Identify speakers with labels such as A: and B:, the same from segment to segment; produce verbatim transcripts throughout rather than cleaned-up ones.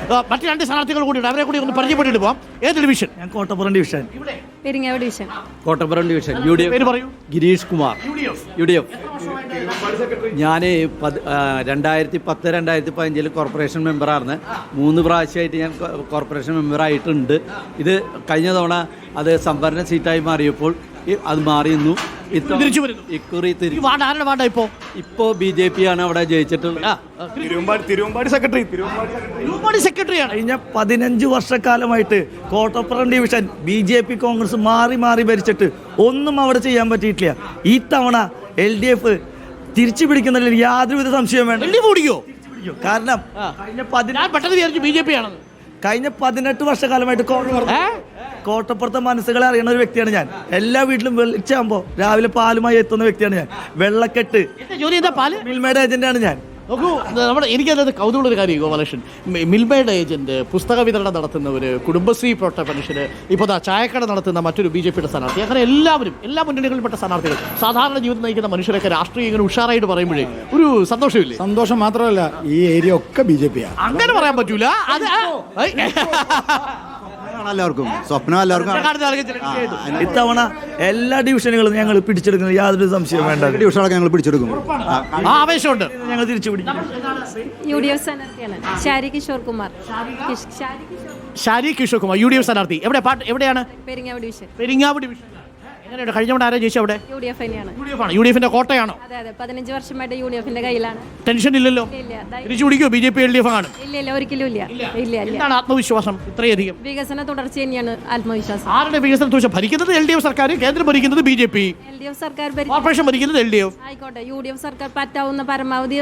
A: മറ്റു രണ്ട് സ്ഥാനാർത്ഥികൾ കൂടിയുണ്ട്, അവരെ കൂടി ഒന്ന് പരിചയപ്പെട്ടിട്ട് പോകാം. ഏത് ഡിവിഷൻ?
B: ഞാൻ Kottappuram division.
C: Peringavu division.
D: Kottappuram division. U D F.
A: പേര് പറയൂ.
D: Girish Kumar, U D F. ഞാൻ രണ്ടായിരത്തി പത്ത് രണ്ടായിരത്തി പതിനഞ്ചിൽ കോർപ്പറേഷൻ മെമ്പറായിരുന്നു. മൂന്ന് പ്രാവശ്യമായിട്ട് ഞാൻ കോർപ്പറേഷൻ മെമ്പറായിട്ടുണ്ട്. ഇത് കഴിഞ്ഞ തവണ അത് സംവരണ സീറ്റായി മാറിയപ്പോൾ അത് മാറിയിരുന്നു.
A: തിരിച്ചു വരുന്നു.
D: ഇക്കുറി
A: ഈ വാർഡ് ആരുടെ വാർഡാ ഇപ്പോ?
D: ഇപ്പോ ബി ജെ പി ആണ് അവിടെ ജയിച്ചിട്ടുള്ളത്.
B: തിരുവമ്പാടി സെക്രട്ടറി
A: തിരുവമ്പാടി സെക്രട്ടറിയാണ്.
B: കഴിഞ്ഞ പതിനഞ്ച് വർഷക്കാലമായിട്ട് Kottappuram division B J P Congress മാറി മാറി ഭരിച്ചിട്ട് ഒന്നും അവിടെ ചെയ്യാൻ പറ്റിയിട്ടില്ല. ഈ തവണ എൽ ഡി എഫ് തിരിച്ചു പിടിക്കുന്നതിൽ യാതൊരുവിധ സംശയം വേണ്ട. കാരണം കഴിഞ്ഞ
A: പെട്ടെന്ന് ബി ജെ പി ആണെന്ന്
B: കഴിഞ്ഞ പതിനെട്ട് വർഷക്കാലമായിട്ട് കോട്ടപ്പുറത്തെ മനസ്സുകളെ അറിയുന്ന ഒരു വ്യക്തിയാണ് ഞാൻ. എല്ലാ വീട്ടിലും വെളിച്ചാകുമ്പോൾ രാവിലെ പാലുമായി എത്തുന്ന വ്യക്തിയാണ് ഞാൻ. വെള്ളക്കെട്ട്
A: ജോലി എന്താ? പാല്
B: മിൽമയുടെ ഏജന്റാണ് ഞാൻ.
A: നോക്കൂ, നമ്മുടെ എനിക്കത് കൗതുകമുള്ളൊരു കാര്യം ഗോപാലകൃഷ്ണൻ, മിൽമയുടെ ഏജന്റ്, പുസ്തക വിതരണം നടത്തുന്നവർ, കുടുംബശ്രീ പ്രവർത്തക മനുഷ്യർ, ഇപ്പോൾ ദാ ചായക്കട നടത്തുന്ന മറ്റൊരു ബി ജെ പിയുടെ സ്ഥാനാർത്ഥി, അങ്ങനെ എല്ലാവരും എല്ലാ മുന്നണികളിൽപ്പെട്ട സ്ഥാനാർത്ഥികൾ, സാധാരണ ജീവിതം നയിക്കുന്ന മനുഷ്യരൊക്കെ രാഷ്ട്രീയം ഇങ്ങനെ ഉഷാറായിട്ട് പറയുമ്പോഴേ ഒരു സന്തോഷമില്ലേ?
E: സന്തോഷം മാത്രമല്ല, ഈ ഏരിയ ഒക്കെ ബി ജെ പി ആണ്.
A: അങ്ങനെ പറയാൻ പറ്റൂല. അത്
E: എല്ലാവർക്കും സ്വപ്നം എല്ലാവർക്കും
B: ഇത്തവണ എല്ലാ ഡിവിഷനുകളും ഞങ്ങൾ പിടിച്ചെടുക്കുന്നത് യാതൊരു സംശയം വേണ്ട.
E: ഡിവിഷനൊക്കെ ഞങ്ങൾ പിടിച്ചെടുക്കും.
A: ആവേശമുണ്ട്.
B: ഞങ്ങൾ തിരിച്ചു പിടിക്കും.
C: യു ഡി എഫ് സ്ഥാനാർത്ഥിയാണ് Shari Kishore Kumar.
A: Shari Kishore Kumar U D F സ്ഥാനാർത്ഥി. എവിടെ പാട്ട് എവിടെയാണ്?
C: പെരിങ്ങാവ് ഡിവിഷൻ.
A: പെരിങ്ങാവ് ഡിവിഷൻ. എങ്ങനെയുണ്ട്? കഴിഞ്ഞ തവണ ആരാ ജയിച്ചത് അവിടെ?
C: യു ഡി എഫ് തന്നെയാണ്.
A: യു ഡി എഫ് ആണ്. യു ഡി എഫിന്റെ കോട്ടയാണോ?
C: അതെ അതെ, പതിനഞ്ച് വർഷമായിട്ട് യു ഡി എഫിന്റെ കയ്യിലാണ്.
A: ടെൻഷൻ ഇല്ലല്ലോ. തിരിച്ചു പിടിക്കോ B J P L D F ആണ്?
C: ഇല്ല ഇല്ല, ഒരിക്കലും ഇല്ല. ഇല്ല ഇല്ല.
A: എന്താണ് ആത്മവിശ്വാസം ഇത്രയധികം?
C: വികസന തുടർച്ച തന്നെയാണ് ആത്മവിശ്വാസം.
A: ആരുടെ വികസന തുടർച്ച? ഭരിക്കുന്നത് എൽ ഡി എഫ് സർക്കാർ, കേന്ദ്രം ഭരിക്കുന്നത് B J P,
C: L D F സർക്കാർ,
A: കോർപ്പറേഷൻ ഭരിക്കുന്നത് എൽ ഡി എഫ്.
C: ആയിക്കോട്ടെ, യു ഡി എഫ് സർക്കാർ പറ്റാവുന്ന പരമാവധി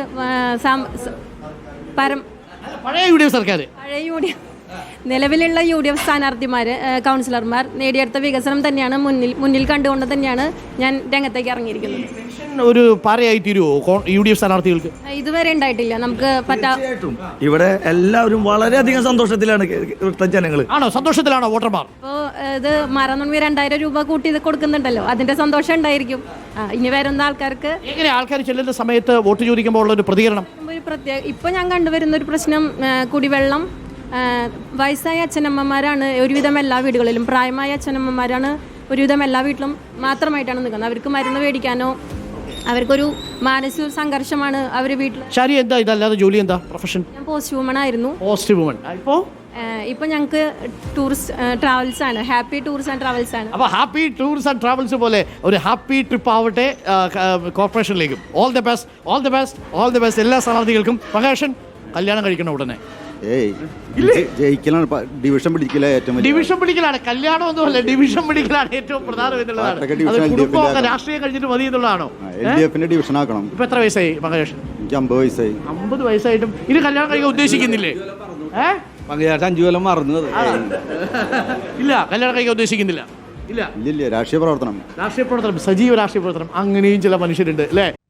A: പഴയ യു ഡി എഫ് സർക്കാർ,
C: പഴയ യു ഡി എഫ് നിലവിലുള്ള യു ഡി എഫ് സ്ഥാനാർത്ഥിമാർ, കൗൺസിലർമാർ നേടിയെടുത്ത വികസനം തന്നെയാണ് മുന്നിൽ മുന്നിൽ കണ്ടുകൊണ്ട് തന്നെയാണ് ഞാൻ രംഗത്തേക്ക് ഇറങ്ങിയിരിക്കുന്നത്.
A: ഒരു പാരയായി തീരുവോ യു ഡി എഫ് സ്ഥാനാർത്ഥികൾക്ക്?
C: ഇതുവരെ ഉണ്ടായിട്ടില്ല. നമുക്ക് പറ്റാ
B: ഇവിടെ എല്ലാവരും വളരെയധികം സന്തോഷത്തിലാണ് ജനങ്ങൾ.
A: ആണോ? സന്തോഷത്തിലാണോ വോട്ടർമാർ?
C: ഇപ്പോൾ ഇത് മറന്നുണ്ണി രണ്ടായിരം രൂപ കൂട്ടി ഇത് കൊടുക്കുന്നുണ്ടല്ലോ, അതിന്റെ സന്തോഷം ഉണ്ടായിരിക്കും. ഇനി വരുന്ന ആൾക്കാർക്ക്.
A: എങ്ങനെ ആൾക്കാർ ചെല്ലുന്ന സമയത്ത് വോട്ട് ചോദിക്കുമ്പോൾ ഉള്ള ഒരു പ്രതികരണം?
C: ഒരു പ്രത്യേക ഇപ്പൊ ഞാൻ കണ്ടുവരുന്ന ഒരു പ്രശ്നം കുടിവെള്ളം. വയസ്സായ അച്ഛനമ്മമാരാണ് ഒരുവിധം എല്ലാ വീടുകളിലും, പ്രായമായ അച്ഛനമ്മമാരാണ് ഒരുവിധം എല്ലാ വീട്ടിലും മാത്രമായിട്ടാണ് നിൽക്കുന്നത്. അവർക്ക് മരുന്ന് മേടിക്കാനോ അവർക്കൊരു മാനസിക സംഘർഷമാണ് അവർ വീട്ടിൽ.
A: ശരി, എന്താ ഇതല്ലാതെ ജോലി എന്താ? പ്രൊഫഷൻ?
C: ഞാൻ പോസ്റ്റ് വുമൺ ആയിരുന്നു.
A: Post woman. ഇപ്പോൾ
C: ഇപ്പൊ ഞങ്ങൾക്ക് ടൂറിസ്റ്റ് ട്രാവൽസ് ആണ്, ഹാപ്പി ടൂർസ് ആൻഡ് ട്രാവൽസ് ആണ്.
A: അപ്പോൾ ഹാപ്പി ടൂർസ് ആൻഡ് ട്രാവൽസ് പോലെ ഒരു ഹാപ്പി ട്രിപ്പ് ആവട്ടെ കോർപ്പറേഷനിലേക്കും. All the best, all the best, all the best എല്ലാ സ്ഥാനാർത്ഥികൾക്കും. പ്രകാശൻ, കല്യാണം കഴിക്കണം ഉടനെ?
E: ജയിക്കലാണ്, ഡിവിഷൻ പിടിക്കല ഏറ്റവും
A: ഡിവിഷൻ പിടിക്കലാണ്. കല്യാണം ഒന്നുമല്ല, ഡിവിഷൻ പിടിക്കലാണ് ഏറ്റവും പ്രധാനം എന്നുള്ളതാണ്. കുടുംബമൊക്കെ രാഷ്ട്രീയം കഴിഞ്ഞിട്ട് മതി എന്നുള്ളതാണോ?
E: എൽ ഡി എഫിന്റെ ഡിവിഷൻ ആക്കണം.
A: ഇപ്പൊ എത്ര വയസ്സായി മകേഷൻ?
E: എനിക്ക് അമ്പത് വയസ്സായി.
A: അമ്പത് വയസ്സായിട്ടും ഇത് കല്യാണം കഴിക്കാൻ ഉദ്ദേശിക്കുന്നില്ലേ? ഏഹ്
D: അഞ്ചു കൊല്ലം മറന്നത്
A: ഇല്ല, കല്യാണം കഴിക്കാൻ ഉദ്ദേശിക്കുന്നില്ല. ഇല്ല
E: ഇല്ല രാഷ്ട്രീയ പ്രവർത്തനം
A: രാഷ്ട്രീയ പ്രവർത്തനം സജീവ രാഷ്ട്രീയ പ്രവർത്തനം അങ്ങനെയും ചില മനുഷ്യരുണ്ട് അല്ലേ?